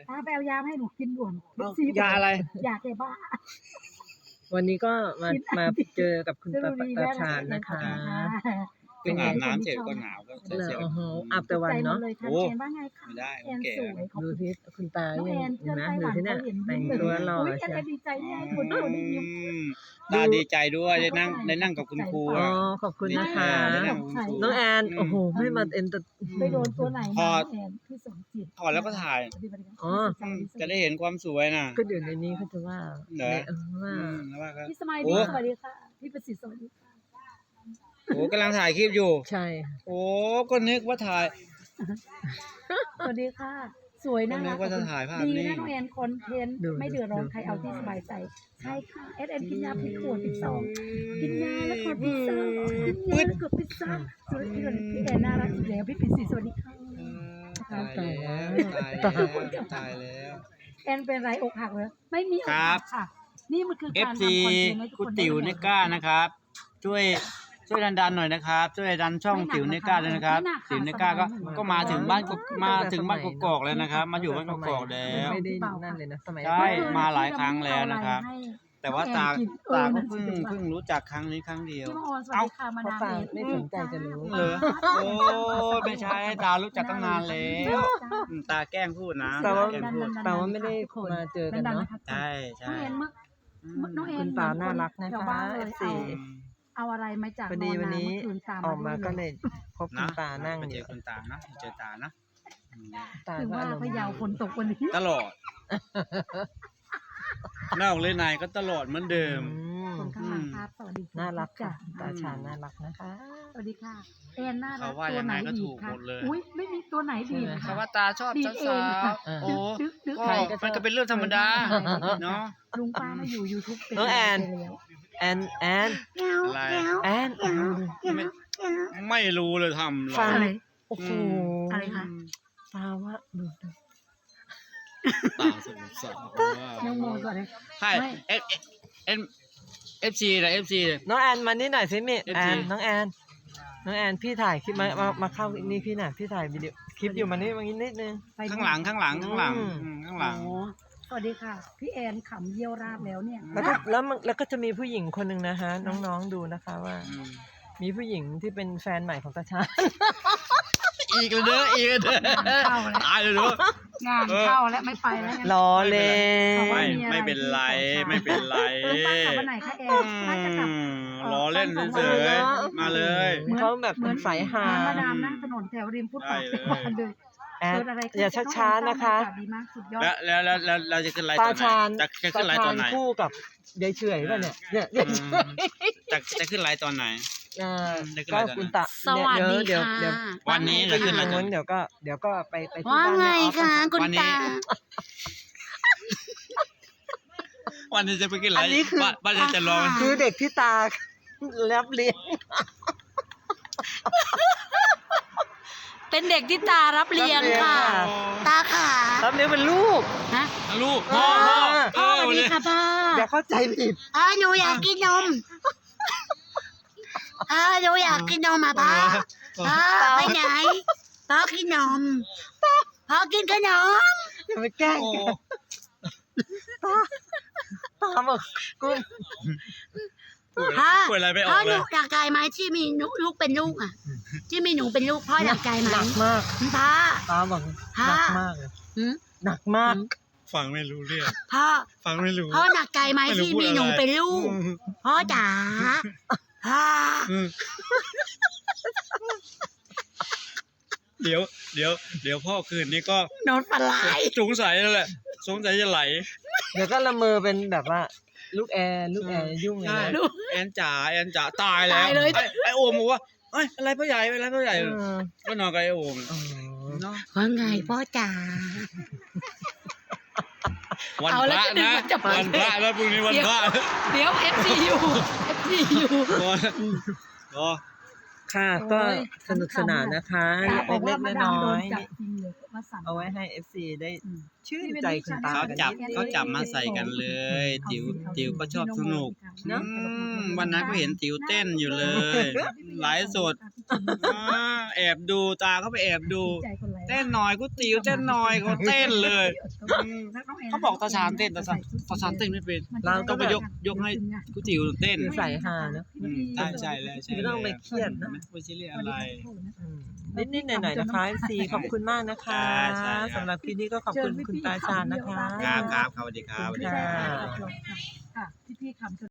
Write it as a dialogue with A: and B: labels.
A: ตาไปเอายาให้หนูกินด่วน
B: ยาอะไร
A: ยาแก้บ้า
C: วันนี้ก็มาเจอกับคุณตาชาญนะคะ
B: เป็นอาบน้ำเสร็จก็หนาวก็เสร็จ
C: โอ้โหอาบแต่วันเนาะ
A: โอ้ว่าไงคะ
B: ไม่ได้
A: แอน
B: แก่
A: สวยขอบ
C: ดู
A: คุณ
C: ที่คุณตา
A: น้อง
C: ยัง
A: แอนเพื่อน
C: นะ
A: ไต้ห
C: ดู
A: วัน
C: ที่เนี่ย
A: เขาเห็น
C: แต่งตัวหล่อ
A: แอน
C: ใช่
A: ก็ดีใจที่ให้คนดูได้ยิ้ม
B: ตาดีใจด้วยได้นั่งกับคุณครู
C: อ๋อ
B: อ่ะ
C: ขอบคุณนะคะ
B: ได้นั่งกับคุณครู
C: น้องแอนโอ้โหไม่มาเอ็นต
A: ไปโดนตัวไหน
B: พอ
A: มาแอนที่สมจิต
B: ถอดแล้วก็ถ่าย
C: อ๋อ
B: จะได้เห็นความสวยน่ะ
C: ก็เดี๋ยวในนี้เขาจะว่า
B: เหรอ
C: ว่า
B: แล้วว่าก็
A: พี่สมัย
B: โอ้
A: ดีสวัสดีค่ะพี่ประสิทธิ์สวัสดีค่ะ
B: โอ้กำลังถ่ายคลิปอยู่
C: ใช่
B: โอ้ก็นึกว่าถ่าย
A: สวัสดีค่ะ สวยนะ
B: ก็นึกว่าจะถ่ายภาพ
A: ดี
B: นิ่
A: นะ
B: ง
A: น้องแอนคอนเทนต์ไม่เดือดร้อนใครเอาที่สบายใจใช่ค่ะเอ็นกินยาพิษขวดพิษซองกินยาแล้วกดพิซซ่ากินยาแล้วกดพิซซ่าสวัสดีพี่แอนน่ารักอีกแล้วพี่ปิ่นสีสวัสดีค่ะ
B: ตายแล้วตายแล้ว
A: แอนเป็นไรอกหักเลยไม่มีอกหักค่ะ นี่มันคือการ
B: FC
A: ทำคอนเทนต์ให้ทุก
B: คุ
A: ค
B: ณ
A: น
B: ติ๋วเนก้านะครับ ช่วยดันหน่อยนะครับช่วยดันช่องติ๋วเนก้าเลยนะครับติ๋วเนก้าก็มาถึงบ้านกอกแล้วนะครับ มาอยู่บ้านกอกแล้ว
C: ไม่ได้นั่นเลยนะสมัย
B: ใช่มาหลายครั้งแล้วนะครับ แต่ว่าตาก็เพิ่งรู้จักครั้งนี้ครั้งเดียว
A: พี่มาออนสวัสดีค่ะมา
C: เพราะ
A: ดาม
C: ฟัง
A: เบส
C: ไม่สนใจจะรู้
B: เหรอโอ้ไม่ใช่ตารู้จักตั้งนานแล้วตาแกล้งพูดนะ
C: แต่ว่า
B: แกล้งพูด
C: แต่ว่าไม่ได้มาเจอกันเนาะ
B: ใช่
A: น้องแอนเมื่อน้องแอน
C: คุณตาน่ารักนะคะ FC
A: เอาอะไรมาจาก
C: พอดีวันนี้
A: เมื่อคืนตาม
C: ออกมาก็เลยพบคุณตานั่ง
B: ไป
C: อ
B: เจอยู่ คุณตานะเจอตานะ
C: ตา
A: ถึง
C: ก็
A: ว่า
C: อารม
A: พะ
C: ณ์
A: เยาฝนตกวันนี้
B: ตลอดนอกเลยในก็ตลอดเหมือนเดิม
A: คนข้างหลังครับสวัสดี
C: น่ารักค่ะตาชาญน่ารักนะคะ
A: สวัสดีค่ะแอนน่ารั
B: เขา
A: ก
B: ว่า
A: ตั
B: ยั
A: ว
B: ง
A: ไห
B: ไง
A: น
B: ก็
A: ดี
B: ถูก
A: ค่ะ
B: หมดเลย
A: อุ้ยไม่มีตัวไหนดี
B: เขา
A: ค่ะ
B: ว่าตาชอบ
A: ดี
B: สา
A: เองค่ะ
B: วๆโอ้
A: ดึก
B: ก็มันก็เป็นเรื่องธรรมดาเนาะ
A: ลุงป้ามาอยู่ YouTube เป็น
C: น้องแอน แอนแอน
B: อะไร
C: แอนโอ้โห
B: ไม่รู้เลยทำหรอ
C: ฟัง
A: อะไร
C: โอ้โห
A: อะไรคะ
C: ตาว่าดู
B: ตาสงสาร
A: น้องโมสวัสดี
B: ใช่เอฟซีนะเอฟซี
C: น้องแอนมานี่หน่อยสิมิ
B: FG
C: แอนน้องแอนพี่ถ่ายคลิปมาเข้านี่พี่หน่อยพี่ถ่ายวิดีโอคลิปอยู่มานี่มานิดนึง
A: ไป
B: ข้างหลังข้างหลัง
C: อืม
B: ข้างหลัง
A: โอ้สวัสดีค่ะ พี่แอนขำเยี่ยวราบแล้วเนี่ย
C: แล้วก็จะมีผู้หญิงคนหนึ่งนะคะน้องๆดูนะคะว่า มีผู้หญิงที่เป็นแฟนใหม่ของตาชาญ
B: อีกเลยเด้ออีกเลยเด้อ
A: เข้าแล้ว
B: ตายเลยเด้อง
A: านเข้าแล้วไม่ไปแล้ว
C: ล้อเล่น
B: ไม่เป็นไรไม่เป็นไร
A: กลับวันไหนคะแอนน่าจะกลับ
B: ล้อเล่นเฉยๆมาเลย
C: เขาแบบเป็นสายฮา
A: มาดามนั่งถนนแถวริมฟุตบาท
B: ได้เลย
A: ทุกวันเลย
C: แอน
A: เกิดอะไรขึ้น
C: อย่าช้าๆนะคะ
A: อากาศดีมากสุดยอด
B: แล้วเราจะขึ้นไลฟ์ต
C: ตา
B: อนไหน
C: ชาญ
B: จะขึ้นไลฟ์ตอนไหน
C: คู่กับยายเฉอยป่ะเนี่ยยายเฉอย
B: จะขึ้นไลฟ์ตอนไหน
C: ก็คุณตา
D: สวัสดี
C: เดี๋ยว
D: ค่ะ
C: เดี๋ยว
B: วันนี้
C: ไป
B: จะ
C: อยู่
B: ขึ้นไล
C: ตรง
B: ฟ์ตอน
C: นู้น
B: ไหน
C: เดี๋ยวก็ไปที่
D: ว่า
C: บ้าน
D: ไง
C: แม่ออฟ
D: คะคุณ
B: วันนี้
D: ตา
B: วันนี้จะไปขึ้นไล
C: อัน
B: ฟ์
C: นี้คือ
B: บ้านจะรอ
C: คือเด็กที่ตารับเลี้ยง
D: เป็นเด็กที่ตารับเลี้ยงค่ะ ตาขา
C: รับเลี้ยงเป็นลูก
D: ฮะ
B: ลูกพ่อ
D: พ่อสวัสดีค่ะพ่อ
C: อย่าเข้าใจผิด
D: หนูอยากกินนมหนูอยากกินนมพ่อไปไหนพ่อกินนมพ่อกินขนม
C: อย่าไปแกล้ง
B: โอ้
C: ตาบอกกู
D: พ่อ
B: พูดอะไรไม่อ
D: พ่อ
B: อก
D: ห
B: เล
D: นู
B: ย
D: อยากใจไหมที่มีลูกเป็นลูกอ่ะ ที่มีหนูเป็นลูกพ่ออยากใจไหม
C: หนักมาก
D: พ่อ
C: ตาบอกหนักมากเลย
D: หืม
C: หนักมาก
B: ฟังไม่รู้เรื่อง
D: พ่อ
B: ฟังไม่รู้
D: พ่อหนักใจไหม
B: ไม่รู้
D: ที่
B: พูด
D: มี
B: อะไร
D: หนูเป็นลูก พ่อจ๋าพ่อ
B: เดี๋ยวพ่อคืนนี้ก็
D: โดนปลาไหล
B: สงสัยแล้วแหละสงสัยจะไหล
C: เดี๋ยวก็ละเมอเป็นแบบว่า ลูกแอร์ยุ่งเลย
B: ใช่
C: นะ
B: แอนจ๋าตายแล้วไอโอมบอกว่าเอ้ยอะไรพ่อใหญ่อะไรพ่อใหญ่ก็นอนกับไอโอม
C: อ๋อ
B: เนาะ
D: ว่าไงพ่อจ๋า
B: วัน
D: เอา
B: พ
D: แล้ว
B: ระ
D: จะดึง
B: นะ
D: มาจับ
B: วันพระแล้วพรุ่งนี้วันพระ
D: เดี๋ยว FCU
B: ก็
C: ค่ะก็สนุกสนานนะคะ
A: บอก
C: เล็
A: ว่าก มา
C: ๆ
A: ดาม
C: น้
A: โด
C: อน ย
A: จับจริงเลยมาสั่ง
C: ๆเอาไว้ให้ FC ได้ชื่นใจคุณตา
B: เขา
C: กัน
B: จับ
C: นิดนึง
B: เขาจับมาใส่กันเลย ติ๋วก็ชอบสนุกวันนั้นก็เห็นติ๋วเต้นอยู่เลยไลฟ์สดแอบดูตาเขาไปแอบดู
A: ใจคนไร
B: เต้นหน่อยกูติ๋วเต้นหน่อยเขาเต้นเลยเขาบอกตาชานเต้นตาชานเต้นไม่เป็นเราต้องไปยกให้กูติ๋วเต้น
C: คือใส่ฮาเนอะ
B: ใช่แล้วใช่
C: ไม่ต้องไปเครียดนะ
B: ไม่ใช่เรื่องอะไร
C: นิดๆหน่อยๆนะคะซีขอบคุณมากนะคะ
B: ใช่
C: สำหรับคลิปนี้ก็ขอบคุณคุณตาชาญนะคะ
B: ครับสวัสดีครับ
C: ค่ะ
A: ค่ะพี่ๆคำ